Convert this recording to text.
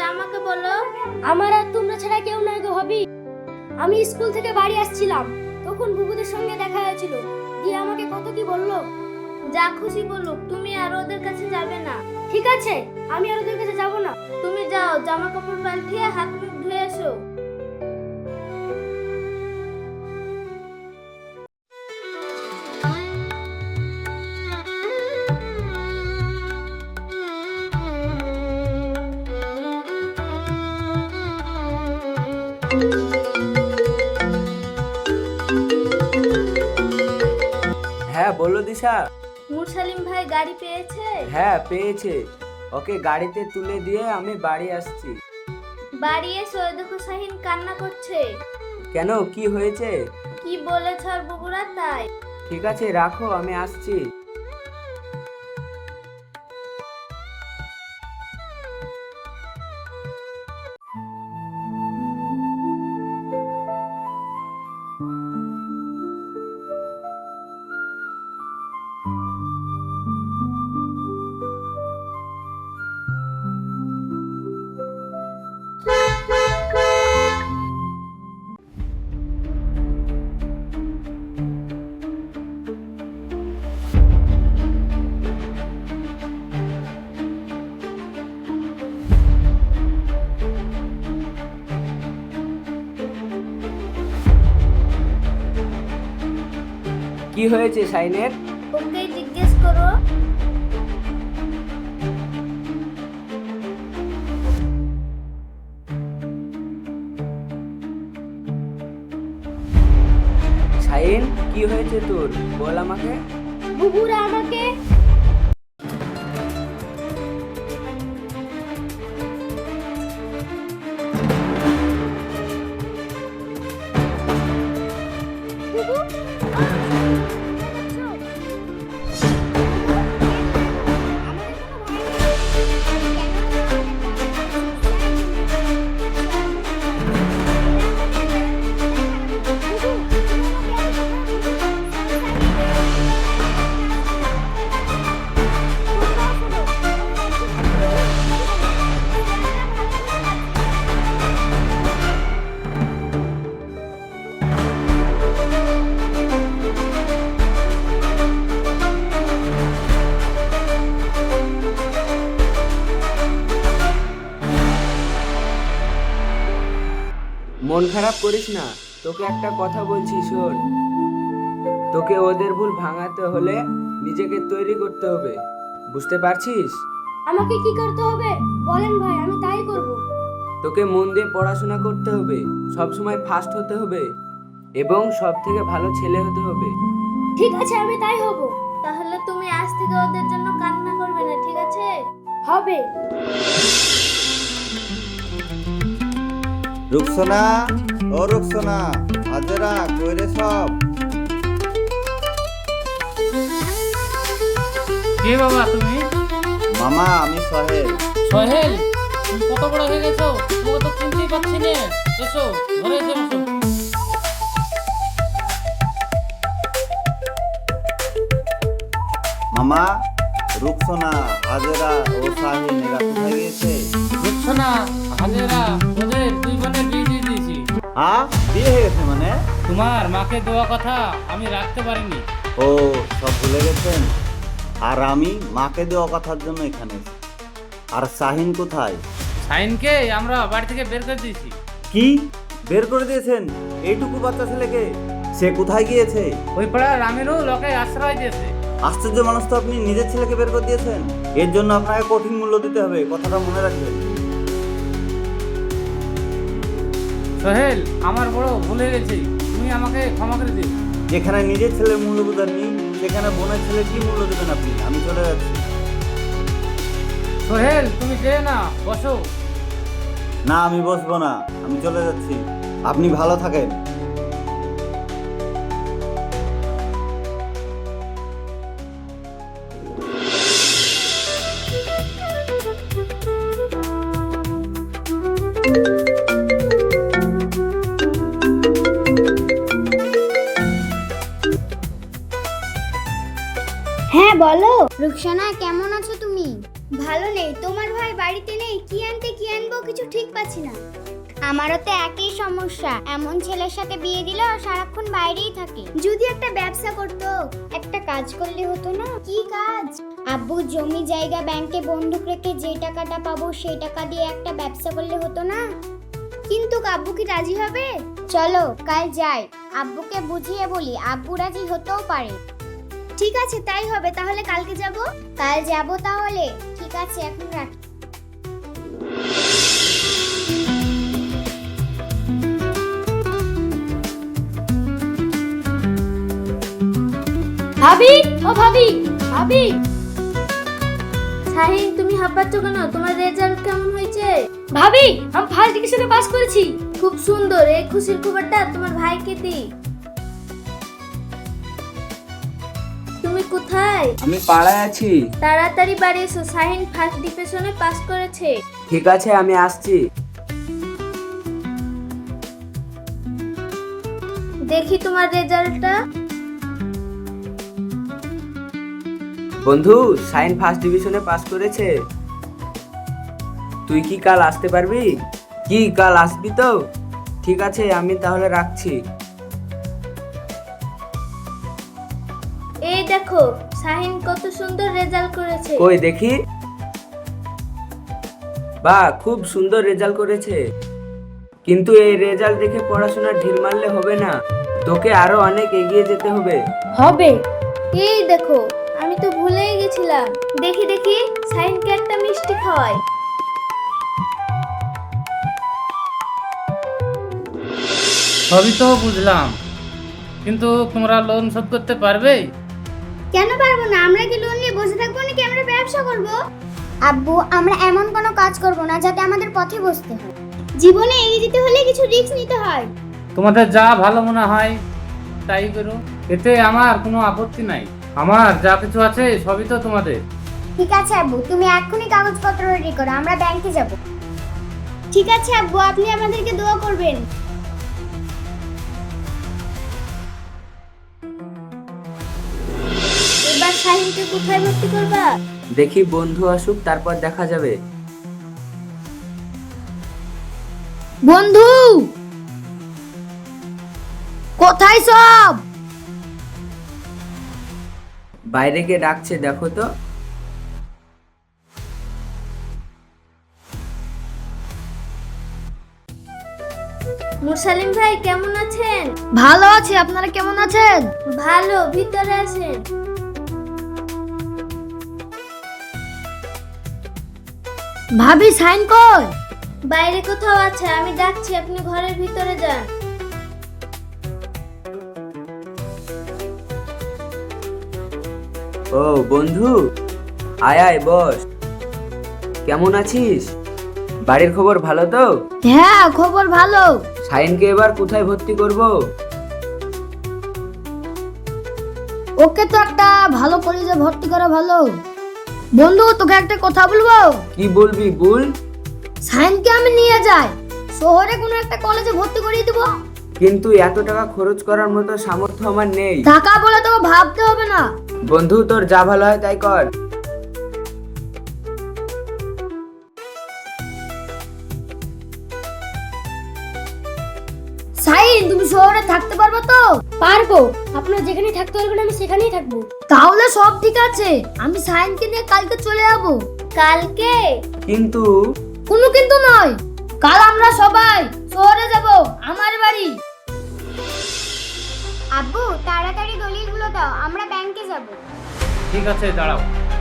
আমাকে বলো। আমার আর তোমরা ছাড়া কেউ নাই গো হবি। আমি স্কুল থেকে বাড়ি আসছিলাম, তখন বুবুদের সঙ্গে দেখা হয়েছিল, দিয়ে আমাকে কত কি বললো। যা খুশি বলুক, তুমি আর ওদের কাছে যাবে না। ঠিক আছে, আমি আর ওদের কাছে যাব না। তুমি যাও, জামা কাপড় পাল্টিয়ে হাত মুখ ধুয়ে এসো। হ্যাঁ বলো দিশা। মুরসালিম ভাই গাড়ি পেয়েছে? হ্যাঁ পেয়েছে, ওকে গাড়িতে তুলে দিয়ে আমি বাড়ি আসছি। বাড়ি এসে ওই দেখো শাহিন কান্না করছে। কেন, কি হয়েছে? কি বলেছ আর বুবুরা তাই। ঠিক আছে রাখো, আমি আসছি। কি হয়েছে শাইনের? ওকে জিজ্ঞেস করো। শাইন কি হয়েছে তোর, বল আমাকে। বুবুরা আমাকে মন খারাপ করিস না, তোকে একটা কথা বলছি শোন। তোকে ওদের ভুল ভাঙাতে হলে নিজেকে তৈরি করতে হবে, বুঝতে পারছিস? আমাকে কি করতে হবে বলেন ভাই, আমি তাই করব। তোকে মন দিয়ে পড়াশোনা করতে হবে, সব সময় ফার্স্ট হতে হবে এবং সব থেকে ভালো ছেলে হতে হবে। ঠিক আছে, আমি তাই হব। তাহলে তুমি আজ থেকে ওদের জন্য কান্না করবে না, ঠিক আছে? হবে। রুকসোনা, ও রুকসোনা, হাজেরা কইরে সব। কে বাবা তুমি? মামা আমি সোহেল। সোহেল, তুমি কত বড় হয়ে গেছো, তোমাকে তো চিনতেই পারছি না। এসো ঘরে এসে বসো। মামা, রুকসোনা, হাজেরা ও সাহিন এরা কোথায় গিয়েছে? বুঝছো না, হাজেরা ওদের দুই বোনের বিয়ে দিয়ে দিয়েছি। বিয়ে হয়ে গেছে মানে? তোমার মাকে দেওয়া কথা আমি রাখতে পারিনি। ও সব ভুলে গেছেন। আর আমি মাকে দেওয়া কথার জন্য এখানে এসেছি। আর সাহিন কোথায়? সাইনকে আমরা বাড়ি থেকে বের করে দিয়েছি। কি বের করে দিয়েছেন? এইটুকু বাচ্চা ছেলেকে? সে কোথায় গিয়েছে? ওই পাড়ার রামেরও লোকে আশ্রয় দিয়েছে। আশ্চর্য মানুষ তো, আপনি নিজের ছেলেকে বের করে দিয়েছেন। এর জন্য আপনাকে কঠিন মূল্য দিতে হবে, কথাটা মনে রাখবেন। সোহেল, আমার বড় ভুল হয়ে গেছে, তুমি আমাকে ক্ষমা করে দিও। যেখানে নিজের ছেলের মূল্য বোঝেননি, সেখানে বোনের ছেলে কি মূল্য দেবেন আপনি? আমি চলে যাচ্ছি। সোহেল, তুমি যেও না, বসো। না আমি বসবো না, আমি চলে যাচ্ছি। আপনি ভালো থাকেন। হ্যাঁ বলো। রুকসানা, কেমন আছো তুমি? ভালো নেই। তোমার ভাই বাড়িতে নেই, কি আনতে কি আনবো কিছু ঠিক পাচ্ছি না। আমারও তো একই সমস্যা, এমন ছেলের সাথে বিয়ে দিলে আর সারাক্ষণ বাইরেই থাকে। যদি একটা ব্যবসা করতো, একটা কাজ করলে হতো না? কি কাজ? আব্বু জমি জায়গা ব্যাংকে বন্ধক রেখে যে টাকাটা পাবো সেই টাকা দিয়ে একটা ব্যবসা করলে হতো না? কিন্তু আব্বু কি রাজি হবে? চলো কাল যাই, আব্বুকে বুঝিয়ে বলি, আব্বু রাজি হতেও পারে। ঠিক আছে তাই হবে, তাহলে কালকে যাব। কাল যাব তাহলে, ঠিক আছে এখন রাখি। ভাবি, ও ভাবি, ভাবি। শাহিন, তুমি হাঁপাচ্ছ কেন? তোমার রেজাল্ট কেমন হয়েছে? ভাবি, আমি ফার্স্ট ডিভিশনে পাস করেছি। খুব সুন্দর। এই খুশির খবরটা তোমার ভাইকে দি। তুমি কোথায়? আমি পাড়ায় আছি। তাড়াতাড়ি বাড়ি এসো, শাহিন ফার্স্ট ডিভিশনে পাস করেছে। ঠিক আছে, আমি আসছি। দেখি তোমার রেজাল্টটা। বন্ধু, সাইন ফার্স্ট ডিভিশনে পাস করেছে। তুই কি কাল আসতে পারবি? কি কাল আসবি তো? ঠিক আছে, আমি তাহলে রাখছি। এই দেখো, শাহিন কত সুন্দর রেজাল্ট করেছে। কই দেখি। বাহ, খুব সুন্দর রেজাল্ট করেছে। কিন্তু এই রেজাল্ট দেখে পড়াশোনা ঢিল মারলে হবে না, তোকে আরো অনেক এগিয়ে যেতে হবে। হবে। এই দেখো, আমি তো ভুলেই গেছিলাম। দেখি দেখি, শাহিনকে একটা মিষ্টি খাওয়াই। সবই তো বুঝলাম, কিন্তু তোমরা লোন শোধ করতে পারবে? কেন পারবো না? আমরা কি লোন নিয়ে বসে থাকবো নাকি আমরা ব্যবসা করব? আব্বু, আমরা এমন কোনো কাজ করব না যাতে আমাদের পথে বসতে হয়। জীবনে এগিয়ে যেতে হলে কিছু রিস্ক নিতে হয়। তোমাদের যা ভালো মনে হয় তাই করো, এতে আমার কোনো আপত্তি নাই। আমার যা কিছু আছে সবই তো তোমাদের। ঠিক আছে আব্বু, তুমি এক্ষুনি কাগজপত্র রেডি করো, আমরা ব্যাংকে যাব। ঠিক আছে আব্বু, আপনি আমাদেরকে দোয়া করবেন। এবার শাহিনকে কোথায় ভর্তি করবা? দেখি বন্ধু আসুক, তারপর দেখা যাবে। বন্ধু, কোথায় সব? বাইরে কে ডাকছে দেখো তো। মুসালিম ভাই কেমন আছেন? ভালো আছি, আপনারা কেমন আছেন? ভালো, ভিতরে আসেন। ভাবি, সাইন কই? বাইরে কোথাও আছে, আমি ডাকছি, আপনি ঘরের ভিতরে যান। ও বন্ধু, আয় আয় বস। কেমন আছিস? বাড়ির খবর ভালো তো? হ্যাঁ, খবর ভালো। শাহিনকে এবার কোথায় ভর্তি করব? ওকে তো একটা ভালো কলেজে ভর্তি করা ভালো। বন্ধু, তোকে একটা কথা বলবো। কি বলবি বল। সাইনকে আমি নিয়ে যাই, শহরে কোনো একটা কলেজে ভর্তি করিয়ে দেবো। কিন্তু এত টাকা খরচ করার মতো সামর্থ্য আমার নেই। টাকা বলে তোকে ভাবতে হবে না। বন্ধু, তোর যা ভালো হয় তাই কর। সাইন, তুমি শহরে থাকতে পারবে তো? পারবো। আপনার যেখানে থাকতে পারবেন আমি সেখানেই থাকবো। তাহলে সব ঠিক আছে, আমি সাইনকে নিয়ে কালকে চলে যাবো। কালকে? কিন্তু কোনো কিন্তু নয়, কাল আমরা সবাই শহরে যাব, আমার বাড়ি। আব্বু, তাড়াতাড়ি দলিলগুলো দাও, আমরা ব্যাংকে যাব। ঠিক আছে, দাঁড়াও।